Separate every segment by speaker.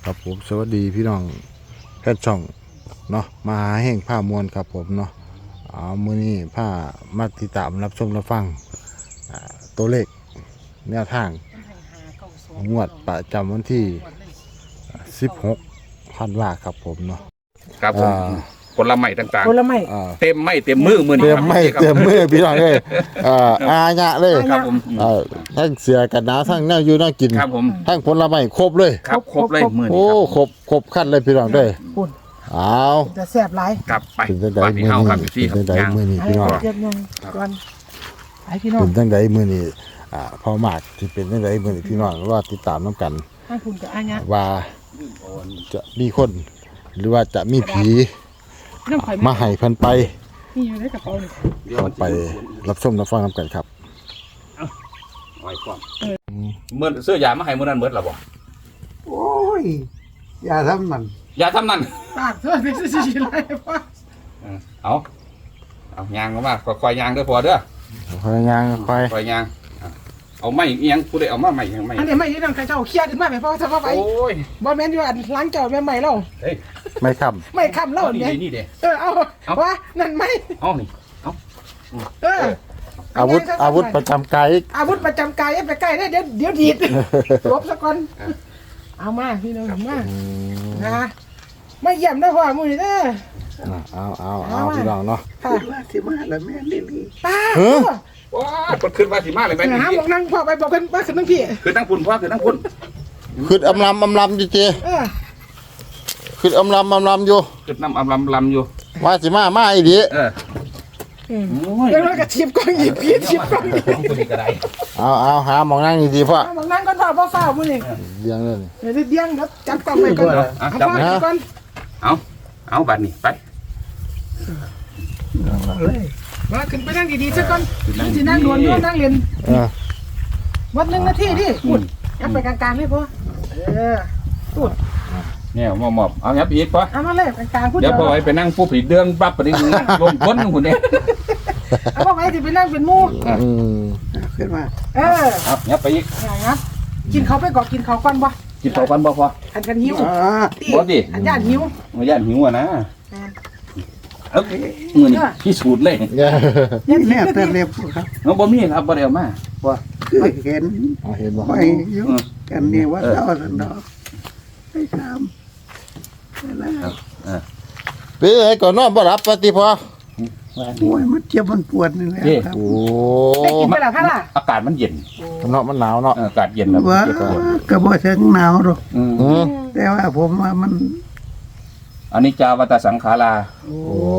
Speaker 1: ครับผมสวัสดีพี่น้องแพทย์ช่องเนาะมาหาแห่งผ้ามวลครับผมเนาะมื้อนี้ผ้ามาติดตามรับชมรับฟังตัวเลขแนวทางงวดประจำวันที่16ธันวาครับผมเนาะ
Speaker 2: ครับผมผลไม้ต่าง
Speaker 3: ผลไม้
Speaker 2: ๆเต็มไม่เต็มมือมือ
Speaker 1: เต็มไม่เต็มมือพี่น้องเลยอาญะเลย
Speaker 2: ครับผม
Speaker 1: ทั้งเสือกันหนาวทั้งแนวอยู่แนวกิน
Speaker 2: ครับผม
Speaker 1: ทั้งผลไม้ครบเลย
Speaker 2: ครับครบเลยมือ
Speaker 1: โอ้
Speaker 2: นี้
Speaker 1: ครบขั้นเลยพี่น้องเด้อ
Speaker 3: ปุ่น
Speaker 1: เอา
Speaker 3: จะแซ่บหลาย
Speaker 2: ครับไป
Speaker 1: เป็นจังได
Speaker 2: บ้านที่
Speaker 1: มื้อ
Speaker 2: เฮา
Speaker 1: นี้
Speaker 2: ครับพี่
Speaker 1: เป็นจังได
Speaker 2: ครับ
Speaker 1: มื้อนี้
Speaker 3: ให้
Speaker 1: พี่น้อง
Speaker 3: เก็บยังก่อนให้พี่น้อง
Speaker 1: เป็นจังไดมื้อนี้พอมากที่เป็นจังไดมื้อนี้พี่น้องว่าติดตามน้ำกัน
Speaker 3: ให้คุณกับอาญะ
Speaker 1: ว่าจะมีคน หรือว่าจะมีผี
Speaker 3: น้ำข่อย
Speaker 1: มาให้เพิ่นไป
Speaker 3: นี่อยู่ในกระเป๋านี่
Speaker 1: เราไปรับชมรับฟังน้ำกันครับ
Speaker 2: ไว้ก่อนเมื่อเสื้อยามาให้มื้อนั้นเบิดแล้วบ่
Speaker 4: โอ้ย อย่าทำมัน
Speaker 2: อย่าทำนั่น
Speaker 3: ปากเธอเป็นสิไรพ่อ
Speaker 2: เอายางมาค่อยๆยางเด้อพอเด้อ
Speaker 1: คอยย่างคอย
Speaker 2: ค่อยยางเอาไม้เอียงผู้ใดเอามาไม้ยังไม้
Speaker 3: อันนี้ไม่ยืนใครเจ้าเคลียร์ขึ้นมาไหมพ่อทำมาไป
Speaker 2: โอ้ย
Speaker 3: บอลแมนอยู่อันล้างเจ้าแม่ใหม่เรา
Speaker 2: เฮ้ย
Speaker 1: ไม่ค้
Speaker 3: ไม่คำเล่า
Speaker 2: นี่
Speaker 3: เนี่ย
Speaker 2: นี่เด้
Speaker 3: เอาวะนั่นไม่
Speaker 2: เอานี่
Speaker 1: ำอาวุธประจำกาย
Speaker 3: อาวุธประจำกายไปใกล้ได้เดี๋ยวดีดลบซะก่อนเอามาพี่น้องมานะไม่เยี่ยมได้พ่อมือเด้อ
Speaker 1: เอาพี่น้องเนาะ
Speaker 3: ค่ะ
Speaker 4: คิดว่าสิมาแล้วแม่ลิลี่
Speaker 3: ป้า
Speaker 2: ว้าเปิดขึ้นมาสิมาเลยแม่
Speaker 3: หาหมกนั่งพ่อไปบอกกันว่าขึ้นนั่งพี่
Speaker 2: คือตั้งพุ่นพ่อคือตั้งพุ่น
Speaker 1: ขึ้นอำลำอยู่เจขึ้นอำลำอยู่
Speaker 2: คือน้ำลำอยู่
Speaker 1: ว่าสิมาอีดี
Speaker 3: เดี๋ยวเรากระชิบกล้องหยิบพี่ชิบกล้องหยิบ
Speaker 2: คนนี้ก็ได้
Speaker 1: เอาหาหมองนั่งดีๆพ่อ
Speaker 3: หมกนั่งก่อนพ่อเฝ้ามือนี่
Speaker 1: เลี้ยงเลย
Speaker 3: เดี๋ยวเดี้ยงเดี๋ยวจับกล้องไปก่อนเอาพ่อก่อน
Speaker 2: เอาบัตรนี่ไป
Speaker 4: เลย
Speaker 3: มาขึ้นไปนั่งดีๆซะก่อนที่นั่งดวนด้วยนั่งเรียนวัด1 นาทีดิพูดยับไปกลางๆเลยพ่อพูด
Speaker 2: เนี่ยมอบเอายับอีกปะ
Speaker 3: เอามาเลยกลางๆพูด
Speaker 2: เดี๋ยวพอไปนั่งผู้ผีเดืองปั๊บไปนี่ลงพ้นหุ่นเนี่ย
Speaker 3: เอาพ่อไปที่ไปนั่งเป็นมู
Speaker 4: ขึ้นมา
Speaker 2: ครับยับไปอีก
Speaker 3: ครับกินเขาไปก่อนกินเขาก่อนบ่
Speaker 2: กินต่อกันบ่พอ
Speaker 3: อันกันหิว
Speaker 2: บ่ดิ
Speaker 3: อันญาติหิว
Speaker 2: มาย่านหิวอ่ะนะเอ้ยมือนี่พิสูจน์เลย
Speaker 4: นี่แม่แต่เล็บครับ
Speaker 2: น้องบ่มีครับบ่ได้เอามาว่า
Speaker 4: คือเห็น
Speaker 1: เห็นบ่
Speaker 4: ไปอยู่กันนี่ว่าเจ้าสันดอกให้ทำแล้ว
Speaker 1: เป็นไงก่อนนอนบ่รับปฏิพอ
Speaker 4: โอ้ยมันเจ็บมันปวดนี่แหละครับ
Speaker 1: โอ้
Speaker 3: ได้กินไปแล้วค่ะล่ะ
Speaker 2: อากาศมันเย็น
Speaker 1: เนาะมันหนาวเนาะ
Speaker 2: อากาศเย็นแล้ว
Speaker 4: ว่าก็บ่ถึงหนาวหรอก แต่ว่าผมว่ามัน
Speaker 2: อันนี้จาวัตสังขารา
Speaker 1: โอ้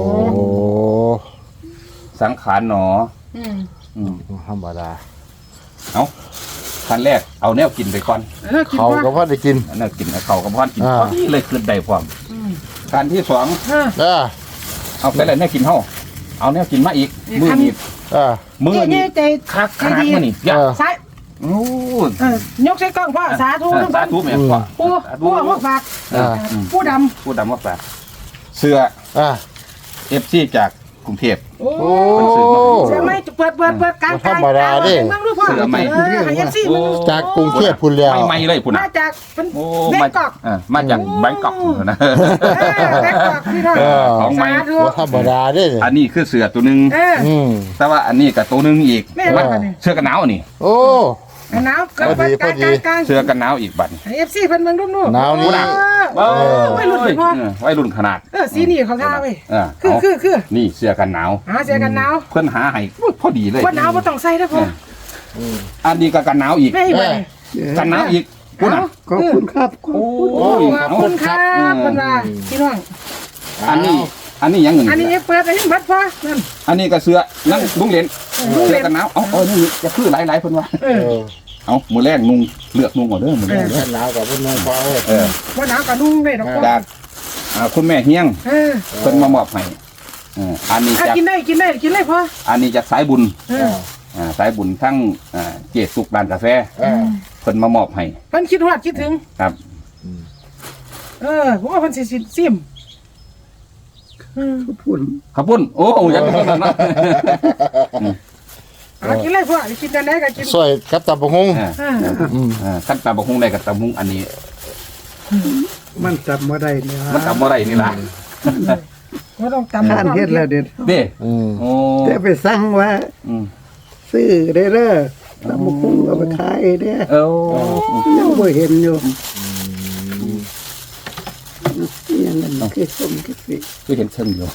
Speaker 2: สังขารหนอ
Speaker 1: ธรรมดา
Speaker 2: เอาขั้นแรกเอาแนวกินไปก่อน
Speaker 3: กิน
Speaker 1: เขา
Speaker 3: ว่า
Speaker 1: ก็พอได้กิน
Speaker 2: อันนั้นกินเขากับพ่อนกินพอดีเลยขึ้นได้พร้อมการที่สอง เอาไปเลยแน่กินเฮาเอาแนวกินมาอีกมือนี่มือ
Speaker 3: เจ๊
Speaker 2: นี่
Speaker 3: ใจ
Speaker 2: คักขนาดมือนี่ยา
Speaker 3: ซ้าย
Speaker 2: โอ้
Speaker 3: ยกใส่กล้องพ่อสาธุ
Speaker 2: สาธุแม่พ่อ
Speaker 3: ผู้มาฝากผู้ด
Speaker 2: ผู้ดำว่าฝากเสื้อFC จากกรุงเทพ
Speaker 3: ำโอ้เสือไม่เปิดกลางนั่งดูพ่อให้เอฟซีมัน
Speaker 1: จากกรุงเทพพุ่นแล้ว
Speaker 2: ไม่เลยพุ่น
Speaker 3: มาจากเป็น
Speaker 2: โอ้
Speaker 3: แบงกอก
Speaker 2: มาจากแบงกอกนะ
Speaker 3: แบงกอกพี่น้องสาธุ
Speaker 1: ธรรมดาเด้
Speaker 2: อันนี้คือเสื้อตัวนึงแต่ว่าอันนี้กับตัวนึงอีกเสื้อกันหนาวนี่
Speaker 1: โอ้
Speaker 3: หนาวกลาง
Speaker 2: เสื้อกันหนาวอีกบัด
Speaker 3: เอฟซีเพิ่นเบิ่งดู
Speaker 1: หนาวนี่
Speaker 3: ไม่หลุดเลยพ่อ
Speaker 2: ไว้รุ่นขนาด
Speaker 3: สีนี่เขาท่าเว้ย คือ
Speaker 2: นี่เสื้อกันหนาว
Speaker 3: หาเสื้อกันหนาว
Speaker 2: เพิ่นหาให้พอดีเลย
Speaker 3: ว่าหนาวบ่ต้องใส่เด้อพ่อ
Speaker 2: อันนี้ก็กันหนาวอีก
Speaker 3: แม่บ่
Speaker 2: กันหนาวอีกคุณน่ะ
Speaker 4: ขอบคุณครับ
Speaker 2: โอ้
Speaker 3: ขอบคุณครับเพิ่นว่าพี่น้อง
Speaker 2: อันนี้ยังเงิน
Speaker 3: อันนี้เปิดให้เบิดพ่อนั่น
Speaker 2: อันนี้ก็เสื้อนั่งลุงเหรียญเสื้อกันหนาวเอานี่จะคือหลายๆเพิ่นว่าเอามือแรกนุ่งเลือกนุ่งก่อนเด้อมือแรก
Speaker 1: หนาวกับพุ่นน้อยพอ
Speaker 3: ว่าหนาวก็นุ่งได้ดอกพ่อ
Speaker 2: จากคุณแม่เฮียงเพิ่นมามอบให้อันนี้จาก
Speaker 3: กินได้พ่อ
Speaker 2: อันนี้จากสายบุญสายบุญทั้งเจดสุกร้านกาแฟเพิ่นมามอบให้
Speaker 3: เพิ่นคิดฮอดคิดถึง
Speaker 2: ครับ
Speaker 3: ผมว่าเพิ่นสิซิม
Speaker 4: พูด
Speaker 2: ขอบคุณโอ้ยยังไม่นะ
Speaker 3: กินเลยพ่อกินได้ก็กิน
Speaker 1: สวยกับตาบงฮง
Speaker 2: ขั้นตาบกฮุงได้กับตามุงอันนี้
Speaker 4: มันจำบ่ได้เนี่ย
Speaker 2: มันทำอะไรนี่ล่ะ
Speaker 3: ไม่ต้องจำ
Speaker 4: ข้านเฮ็ดแล้วเด็ด
Speaker 2: เด้
Speaker 1: อืม
Speaker 2: โอ้
Speaker 4: แต่ไปสั่งว่า
Speaker 2: อืม
Speaker 4: ซื้อได้เด้อตำบักหุ่งเอาไปขายเด้อ
Speaker 2: เอ้า
Speaker 4: ยังบ่เห็นอยู่ยังนั่นคือสมคือสิ
Speaker 2: คือเห็นเชิงอยู่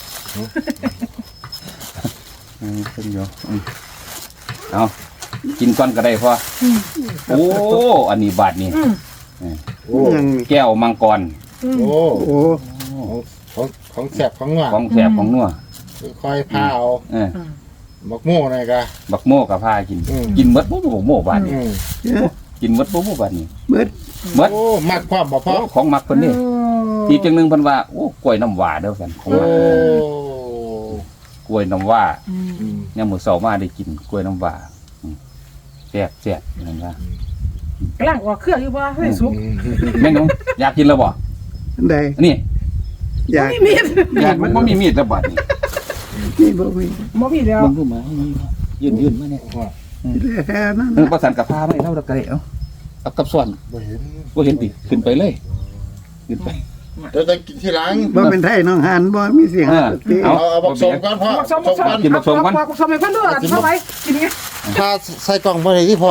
Speaker 2: เชิงอยู่เอากินก้อนก็ได้พอโอ้อันนี้บาทนี่
Speaker 1: โอ้
Speaker 4: ยัง
Speaker 2: แก้วมังกร
Speaker 1: โอ้
Speaker 4: โอ้
Speaker 1: ของแสบของหวาน
Speaker 2: ของแสบของนัว
Speaker 1: ค่อยพาเอา
Speaker 2: เออ
Speaker 1: บักโม่หน่อยกะ
Speaker 2: บักโม่กับผ้ากิน กินมดบ่บักโม่บาทนี่
Speaker 1: อืม
Speaker 2: กินมดบ่บักบาทนี่
Speaker 4: เบิด
Speaker 2: มด
Speaker 1: โอ้มักความบ่พอ
Speaker 2: ของมักเพิ่นนี่อีกจังหนึงเพิ่นว่าโอ้กล้วยน้ำว้าเด้อกันของ
Speaker 1: โอ้
Speaker 2: มักกล้วยน้ำว้า
Speaker 1: อืม
Speaker 2: ยามมื้อเช้ามาได้กินกล้วยน้ำว้าแซ่บนั่นว่าก
Speaker 3: ำลังออกเครื่องอยู่บ่ให้สุก
Speaker 2: แม่นงอยากกินแล้วบ่
Speaker 4: ได้
Speaker 2: นี่
Speaker 4: อยาก
Speaker 3: ไม่มี
Speaker 2: อยากมันบ่มีมีดแล้วบาดนี่
Speaker 4: นี่บ่มี
Speaker 3: บ่มีแล้ว
Speaker 2: มึงรู้มายืนมาเนี่ย
Speaker 4: แค่นั้น
Speaker 2: ประสานกับผ้าไว้เล่าแล้วก็ได้เอากับส่วน
Speaker 1: บ่เห็น
Speaker 2: บ่เห็นติขึ้นไปเลยขึ้นไป
Speaker 1: เดี๋ยวจะกินทีหลัง
Speaker 4: บ่เป็นไทยน้องหันบ่มีเสียง
Speaker 2: เอา
Speaker 1: เอาบักสมก่อนพ่อ
Speaker 3: บักสมบักสม
Speaker 2: กินบักสมก่อน
Speaker 3: บักสมให้เพิ่นด้วยเข้าไปกินไง
Speaker 1: ถ้าใส่กล่องบ่ได้ที่พ่อ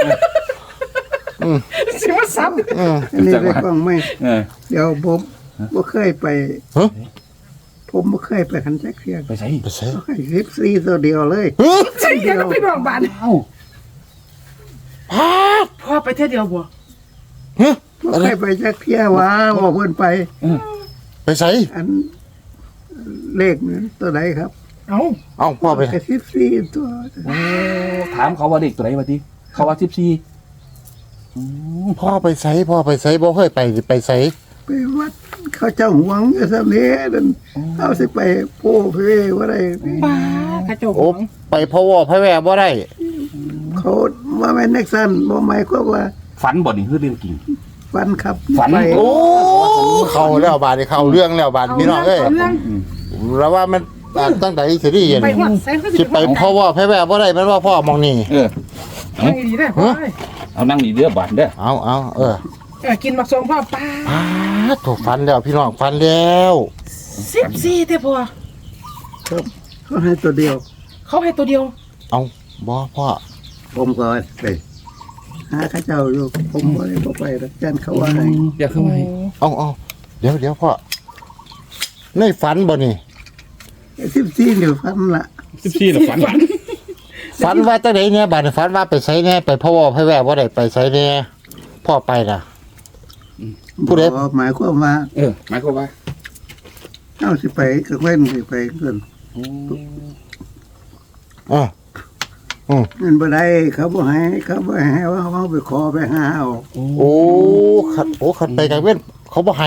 Speaker 3: สิว่าซ้ำ
Speaker 1: อืม
Speaker 4: อันนี้ได้กล้องไหม
Speaker 2: เออ
Speaker 4: เดี๋ยวผมบ่เคยไป
Speaker 1: ฮะ
Speaker 4: ผมบ่เคยไปคันจักเที่ย
Speaker 2: ไปใส่
Speaker 1: ไปใส่
Speaker 4: เขาให้คลิปซีตัวเดียวเลย
Speaker 3: ใช่ยังพี่น้องบ้าน
Speaker 2: เอ้า
Speaker 1: พาด
Speaker 3: พ่อไปเที่ยวเดียวบ่
Speaker 1: ฮะ
Speaker 4: บ่เคยไปจักเที่ยว่าบ่เพิ่นไป
Speaker 1: ไปใส่
Speaker 4: อันเลขนั้นตัวใดครับ
Speaker 3: เอ้า
Speaker 1: เอ้าพ่อไป
Speaker 4: กระซิบซีตัว
Speaker 2: โอ้ถามเขาว่าเด็กตัวไหนวะติเขาว่า14
Speaker 1: พ่อไปใส่พ่อไปใส่บ่เคยไปสิไปใส่
Speaker 4: ไปวัดเขาเจ้าหวงอยู่ซะนี้นั่นเอาสิไปโป้เพว่าได้
Speaker 3: ป้ากระจก
Speaker 1: โอ้ไปพ่อวอพ่อแว่บ่ได้
Speaker 4: เขาว่าแม่นนักสั้นบ่หมายความว่า
Speaker 2: ฝันบ่นี่คือเรื่องจริง
Speaker 4: ฟันครับ
Speaker 2: ฝัน
Speaker 4: ไป
Speaker 1: โอ้เข้าแล้วบาดนี้เข้าเรื่องแล้วบาดพี่น้องเอ้ย
Speaker 3: เรื่อง
Speaker 1: แล้วว่ามันตั้งแต่สิได้เห็น
Speaker 3: ไปหัวใส่ก็
Speaker 1: สิไปพ่อวอพ่อแว่บ่ได้แม่นว่าพ่อมองนี่
Speaker 2: เออ
Speaker 3: ไปดีได้พ่อ
Speaker 2: เอานั่งนี่เด้อบาดเด้อ
Speaker 1: เอา
Speaker 3: กินบักสมพ่อป้า
Speaker 1: พาดถูกฟันแล้วพี่น้องฟันแล้ว
Speaker 3: 14เด้อพ่อ
Speaker 4: เขาให้ตัวเดียว
Speaker 3: เขาให้ตัวเดียว
Speaker 1: เอาบ่พ่อ
Speaker 4: ผมก็ไปหาเข้าเจ้าอยู่ผมบ่ได้บ่ไปหรอกจันเขาว่าให้
Speaker 2: อยากเข้ามา
Speaker 1: เอาเดี๋ยวพ่อในฝันบ่นี่
Speaker 4: 14เดี๋ยวฟันละ
Speaker 2: 14น่ะฝัน
Speaker 1: ฝันว่าจังไดเนี่ยบาดนี้ฝันว่าไปไสแน่ไปพ่อวอพ่อแว่บ่ได้ไปไสแน่พ่อไปน่ะ ผู้ใด
Speaker 4: บ่หมายความว่า
Speaker 2: หมายความว่า
Speaker 4: เอาสิไปก็เว้นสิไปเพิ่น
Speaker 1: อ่า
Speaker 4: มันบ่ได้เขาบ่ให้ว่าเขาไปขอไปหาเอา
Speaker 1: โอ้ขัดไปกลางเว้นเขาบ่ให้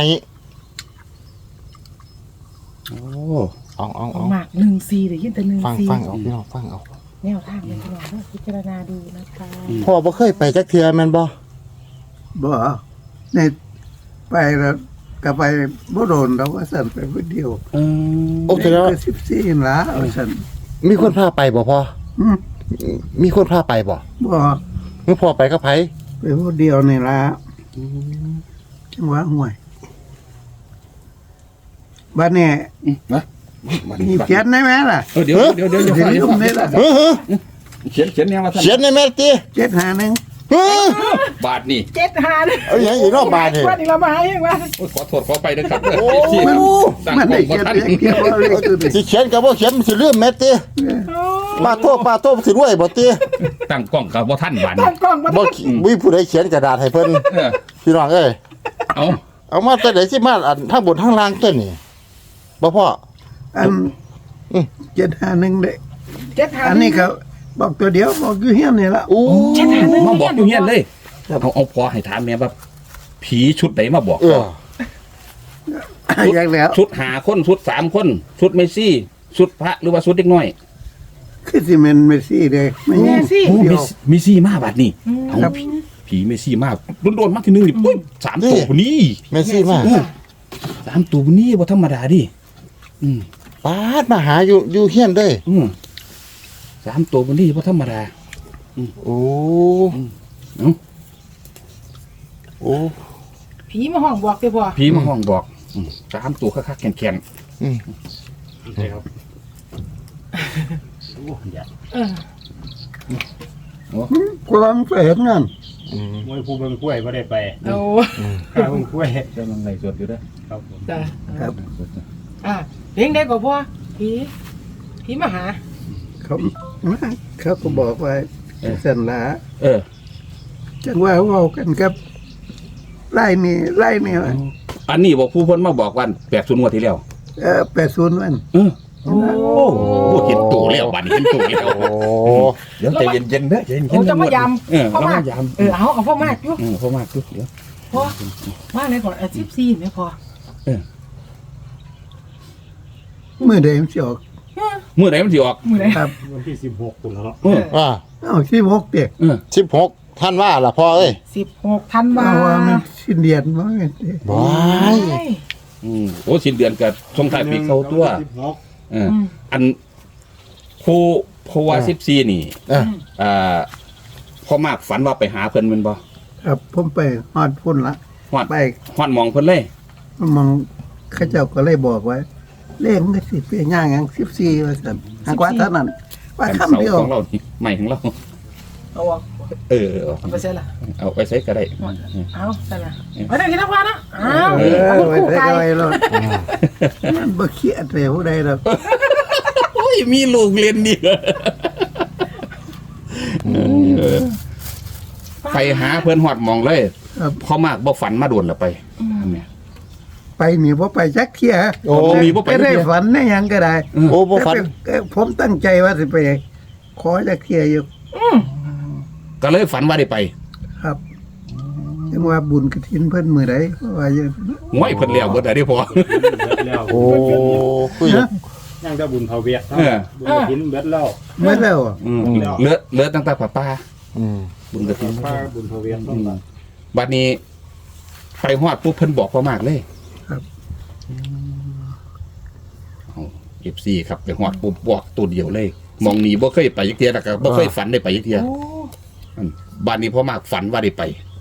Speaker 1: เอา
Speaker 3: หมาก14ได้ยินแต่14
Speaker 1: ฟังเอาพี่น้องฟังเอา
Speaker 3: แนวทางเป็นพี่น้องพิจารณาดูนะคะ
Speaker 1: พ่อบ่เคยไปจักเทื่อแม่นบ่
Speaker 4: บ่ในไปแล้วก็ไปบ่โดนดอกว่าสั่นไปผู้เดียว
Speaker 1: โอ้แสดงว่า
Speaker 4: 14ล่ะเอาสั่น
Speaker 1: มีคนพาไปบ่พ่อ
Speaker 4: อืม
Speaker 1: มีคนพาไปบ่
Speaker 4: บ่
Speaker 1: มึงพ่อไปกับไผ
Speaker 4: ไปผู้เดียวนี่ล่ะจังหวะห่วยบัดนี้
Speaker 2: นะ
Speaker 4: มีเขียนได้ไหมล่ะ
Speaker 2: เดี๋ยว
Speaker 4: เดี๋ยวลืมได้ล่ะ
Speaker 1: เฮ้อ
Speaker 2: เขียนแนวว่าท่าน
Speaker 1: เขียนในแม่ติ
Speaker 4: 751
Speaker 1: เฮ้อบ
Speaker 2: าทนี่
Speaker 3: 75เนี่ย
Speaker 1: เอาอย่างอีกเนาะบาดนี่
Speaker 3: ว่านี่เรามาให้ยังวะ
Speaker 2: ขอโทษขอไปนะครับ
Speaker 1: โอ้
Speaker 4: มันได้เขียนเพียงเดียวเอาเลขตัวนี้
Speaker 1: สิเขียนก็บ่เขียนมันสิลืมแม่ติปาโทษสิรวยบ่ติ
Speaker 2: ตั้งกล้องกับบ่ท่านบาท
Speaker 3: ตั้งกล้องมา
Speaker 1: บ่มีผู้ใดเขียนกระดาษให้เพิ่นพี่น้องเอ้ย
Speaker 2: เอา
Speaker 1: เอามาแต่ไหนสิมาอันทางบนทางล่างตัวนี่บ่พ่อ
Speaker 4: อัน751เด้
Speaker 3: 75
Speaker 4: อันนี้ก็บอกตัวเดียวบอกอยู่เฮียนนี่ล่ะ
Speaker 1: โอ้
Speaker 2: มาบอกอยู่เฮียนเลยเอาพอให้ถามแม่ว่าผีชุดไหนมาบอก
Speaker 1: เออ
Speaker 4: อย่างแล้ว
Speaker 2: ชุด5คนชุด3คนชุดเมซี่ชุดพระหรือว่าชุดเด็กน้อย
Speaker 4: คือสิแม่นเมซี่เด้ไม่
Speaker 3: แม่สิ
Speaker 2: โอ้
Speaker 4: เดียว
Speaker 2: เมซี่มาบาดนี่เอา
Speaker 4: ครับ
Speaker 2: ผีเมซี่มาโดนมาทีนึงนี่ปุ๊บ3ตัวนี้
Speaker 1: แม่ซี่มา
Speaker 2: 3ตัวนี้บ่ธรรมดาดิ
Speaker 1: ปาดมาหาอยู่เฮียนเด้
Speaker 2: 3ตัวนี้บ่ธรรมดา
Speaker 1: โอ้
Speaker 2: เอ้า
Speaker 1: โอ้
Speaker 3: ผีมาห้องบอกเด้อพ่อ
Speaker 2: ผีมาห้องบอกสามตัวคักๆแข็ง
Speaker 1: อืม
Speaker 5: ใช่ครับ
Speaker 3: เออ
Speaker 4: กูลองไปเห็นงาน
Speaker 1: อืม
Speaker 5: มวยภูเบิงกล้วยไม่ได้ไป
Speaker 3: โอ้
Speaker 5: ข้าเบิงกล้วย
Speaker 2: ๆจะลงในสวดอยู่เด้อ
Speaker 5: ครับผม
Speaker 3: จ้ะ
Speaker 4: ครับ
Speaker 3: เลี้ยงได้กว่าพ่อผีมาหา
Speaker 4: เขาก็บอกว่าสันละ
Speaker 2: เออ
Speaker 4: จังว่าเว้ากันกับไล่นี่ว่า
Speaker 2: อันนี้บอกผู้เพิ่นมาบอกวัน80งวดที่แล้ว
Speaker 4: 80วัน
Speaker 2: โอ้เห็นตัวแล้วบัดนี้เห็นตัวแล้ว
Speaker 1: โอ้
Speaker 2: เดี๋ยวใจเย็นๆเด้อใจเย็นๆ
Speaker 3: โอ้จะมายาม
Speaker 2: เรามายาม
Speaker 3: เอาพ่อมากอยู่
Speaker 2: พ่อมากดูเดี๋ยว
Speaker 3: พ่อมาเลยก่อน14เนี่ยพ่อ
Speaker 4: มื้อใดมันสิออก
Speaker 2: มื้อไหนมันสิออก
Speaker 3: มื้อไหน
Speaker 4: ครับ
Speaker 5: วันที่16ตุลา
Speaker 1: อ่า
Speaker 4: เอา16เด็ก
Speaker 1: 16ท่านว่าล่ะพ่อเอ้ย
Speaker 3: 16ธันวา
Speaker 4: เอาว่ามันสิ้นเดือนบ่แม่นติ
Speaker 1: บาย
Speaker 2: โอ้สิ้นเดือนกับช่วงท้ายปีเข้าตัว
Speaker 5: 16
Speaker 2: อันผู้เพราะว่า14นี่
Speaker 1: เออ
Speaker 2: พ่อมากฝันว่าไปหาเพิ่นแม่นบ่
Speaker 4: ครับผมไปฮอดพุ่นละ
Speaker 2: ฮอด
Speaker 4: ไป
Speaker 2: ฮอดหมองเพิ่นเลย
Speaker 4: มองเขาเจ้าก็เลยบอกไว้เลขมันก็สิเป็นย่างหยัง14ว่าซั่นหากว่าเท่านั้นว่า
Speaker 2: อัน
Speaker 4: คำ
Speaker 2: เสา
Speaker 4: เดียว
Speaker 2: ของเรานี่ใหม่ของเรา
Speaker 3: เอาออก
Speaker 2: เอา
Speaker 3: ไปเสร็จละ
Speaker 2: เอาไปใช้ก็ได้
Speaker 3: เอาเสร็จละไปได้กินน้ำพานะเอา
Speaker 4: ไว้
Speaker 3: คู่
Speaker 4: ได้
Speaker 3: ไก่
Speaker 4: ก็ไว้รถมันบ่เครียดเลยผู้ใดดอก
Speaker 2: โอ้ยมีลูกเรียนดีไปหาเพิ่นฮอดหมองเลย
Speaker 4: ครับ
Speaker 2: พ่อมากบ่ฝันมาโดนละไปอันเนี้ย
Speaker 4: ไปนี่บ่ไปจักเที่ย
Speaker 1: โอ้
Speaker 2: มีบ่ไป
Speaker 4: ได้
Speaker 2: เที่ย
Speaker 4: ฝันได้หยังก็ได้
Speaker 1: โอ้บ่ฝัน
Speaker 4: แต่ผมตั้งใจว่าสิไปขอจักเที่ยอยู่
Speaker 2: ก็เลยฝันว่าได้ไป
Speaker 4: ครับยังว่าบุญกฐินเพิ่นมื้อใดเพราะว่าอย่าง
Speaker 2: ง่อยเพิ่นแล้วเบิดได้พอ
Speaker 5: แล้ว
Speaker 1: โอ้คุย
Speaker 5: ยังจะบุญเผาเวียด
Speaker 2: เออ
Speaker 5: บุญกฐินเบ็ดแล้ว
Speaker 4: เมื่อแล้วอะ
Speaker 2: เลือดตั้งแต่ป้า
Speaker 1: อืม
Speaker 2: บุญกระถิ่น
Speaker 5: ป้าบุญเผาเวียดต้องมา
Speaker 2: บัดนี้ไปฮอดปุ๊บเพิ่นบอกพ่อมากเลย
Speaker 4: ครับ
Speaker 2: FC ครับไปฮอดปุ๊บบอกตัวเดียวเลย มองหนีบ่เคยไปยักเทียแล้วก็บ่เคยฝันได้ไปยักเทียบัดนี้พ่อมากฝันว่าได้ไป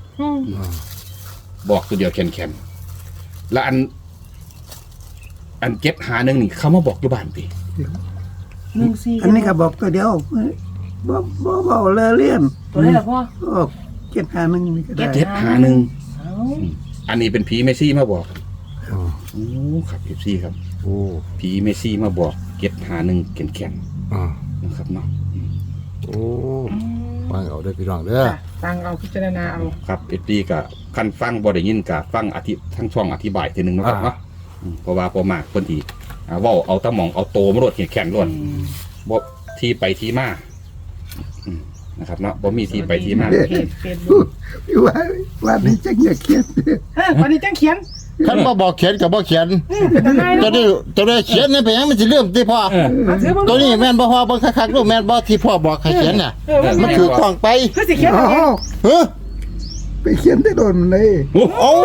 Speaker 2: บอกตัวเดียวแข็งๆแล้วอันเก็บหาหนึงนี่เขามาบอกอยู่บ้านติ
Speaker 3: 14
Speaker 4: อันนี้ก็บอกตัวเดียวบ่เว้าเลอะเลี่ยน
Speaker 3: ตัวไหนล่ะพ่อ
Speaker 4: ก็751นี่ก็ได้
Speaker 2: เก็บหาหนึง
Speaker 3: เอา
Speaker 2: อันนี้เป็นผีเมซี่มาบอกโอ้ครับ FC ครับ
Speaker 1: โอ้
Speaker 2: ผีเมซี่มาบอกเก็บหาหนึงแข็ง
Speaker 1: อ่า
Speaker 2: ๆนะครับเนาะ
Speaker 1: โอ้ฟังเอาเด้อพี่น้องเด้อ
Speaker 3: ฟังเอาพิจารณาเอา
Speaker 2: ครับเอฟดีกับคันฟังบ่ได้ยินกับฟังทั้งช่องอธิบายทีหนึงเนาะครับเนาะเพราะว่าพอมากคนที่เว้าเอาตะหมองเอาโตมาโลดแข็งๆล้วนบ่ที่ไปที่มานะครับเนาะบ่มีที่ไปที่มา
Speaker 3: เพจเฟซบุ๊ก
Speaker 4: ว่านี่จังอย่าเครียด
Speaker 3: วันนี้จังเขียน
Speaker 1: คันบ่บอกเขียนก็บ่เขียน
Speaker 3: เป็นยังไง
Speaker 1: จะได้เขียนนี่ไปหยังมันสิลืมติพ่อ
Speaker 3: ถือ
Speaker 1: ตัวนี้แม่นบ่พ่อเบิ่งคักๆดูแม่นบ่ที่พ่อบอกให้เขียนน่ะมันคือกล้องไป
Speaker 3: คือสิเขียน
Speaker 4: อ๋อ
Speaker 1: เฮ้อ
Speaker 4: ไปเขียนได้โดนเลย
Speaker 1: โอ้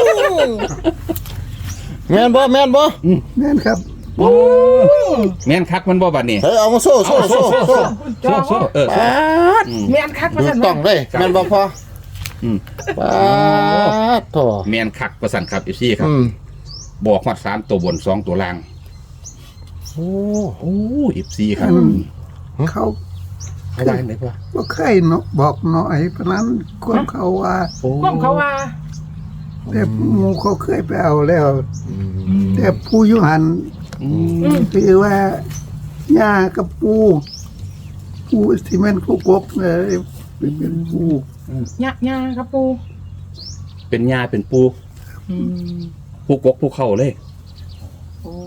Speaker 1: แม่นบ่
Speaker 4: แม่นครับ
Speaker 2: แม่นคักมันบ่บัดนี้
Speaker 1: เฮ้ยเอามาโซ่
Speaker 2: โซ่โซ่โซ่
Speaker 1: ปาด
Speaker 3: แม่นคักมา
Speaker 1: ดู
Speaker 3: สั่น
Speaker 1: ต้องเลยแม่นบ่พ่อ
Speaker 2: อืม
Speaker 1: ปาดโถ
Speaker 2: แม่นคักประสันครับ FC ครับ
Speaker 1: อืม
Speaker 2: บอกฮอด3ตัวบน2ตัวล่าง
Speaker 1: โอ้
Speaker 2: โอ้ FC ครับ
Speaker 4: เขา
Speaker 2: เอาไว้ไหนพ่อ
Speaker 4: บ่เคยเนาะบอกหน่อยเพราะนั้นความเขาว่า
Speaker 3: ก้มเขาว่า
Speaker 4: แต่หมู่เขาเคยไปเอาแล้ว แต่ผู้อยุหัน
Speaker 2: อืม
Speaker 4: คือว่าย่ากับปูที่แม่นผู้กบเลยเป็นปู
Speaker 3: ย่าครับปู
Speaker 2: เป็นยาเป็นปูผู้กกผู้เข้าเลย
Speaker 3: โอ้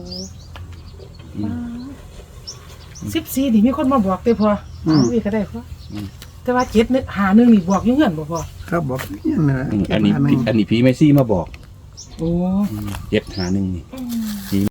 Speaker 3: 14นี่มีคนมาบอกเด้อพ่อเอาอีกก็ได้พ่อแต่ว่า7นึกหานึงนี่บอกอยู่เงินบ่พ่อ
Speaker 4: ครับบอกนี่นะ
Speaker 2: อันนี้ผีเมซี่มาบอก
Speaker 3: โอ้
Speaker 2: เจ็ดหาหนึ่งนี่